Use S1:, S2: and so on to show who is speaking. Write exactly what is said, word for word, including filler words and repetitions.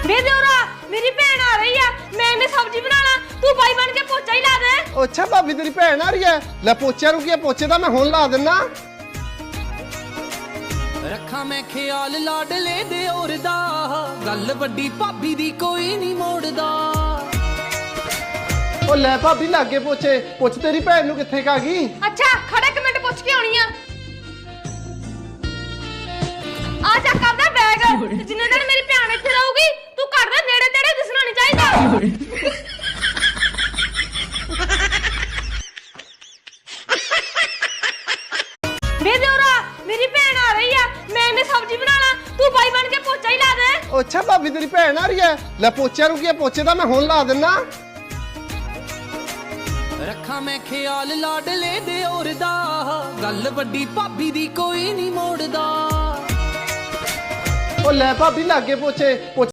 S1: ਵੇ ਦਿਓਰਾ मेरी भैन आ रही है, मैं इन्हें सब्जी बनाना, तू भाई बन के पोचा ही ला दे।
S2: अच्छा भाभी तेरी भैन आ रही है, ले पोचा रुकिया पोचे दा मैं हुण ला देना।
S3: रखा मैं ख्याल लाडले दे और दा, गल वड्डी भाभी दी कोई नहीं मोड़दा।
S2: ओ ले भाभी लागे पोचे, पुछ तेरी भैन नू कित्थे का गई?
S1: अच्छा खड़े एक मिनट पुछ के आनी है। आ जा कर दे बैग, जिन्ने दिन मेरी भैन इत्थे रहूगी तू कर दे, नेड़े तेड़े दिसना नहीं चाहिदा। वे दियोरा मेरी भैन आ रही है, मैं इन्हें सब्जी बनाना, तू भाई बन के पोचा ही ला दे।
S2: अच्छा भाभी तेरी भैन आ रही है, ले पोचा रुकिया पोचे दा मैं हुण ला देना।
S3: रखा मैं ख्याल लाडले दे और दा, गल वड्डी भाभी दी कोई नहीं मोड़दा।
S2: ओ ले भाभी लागे पोचे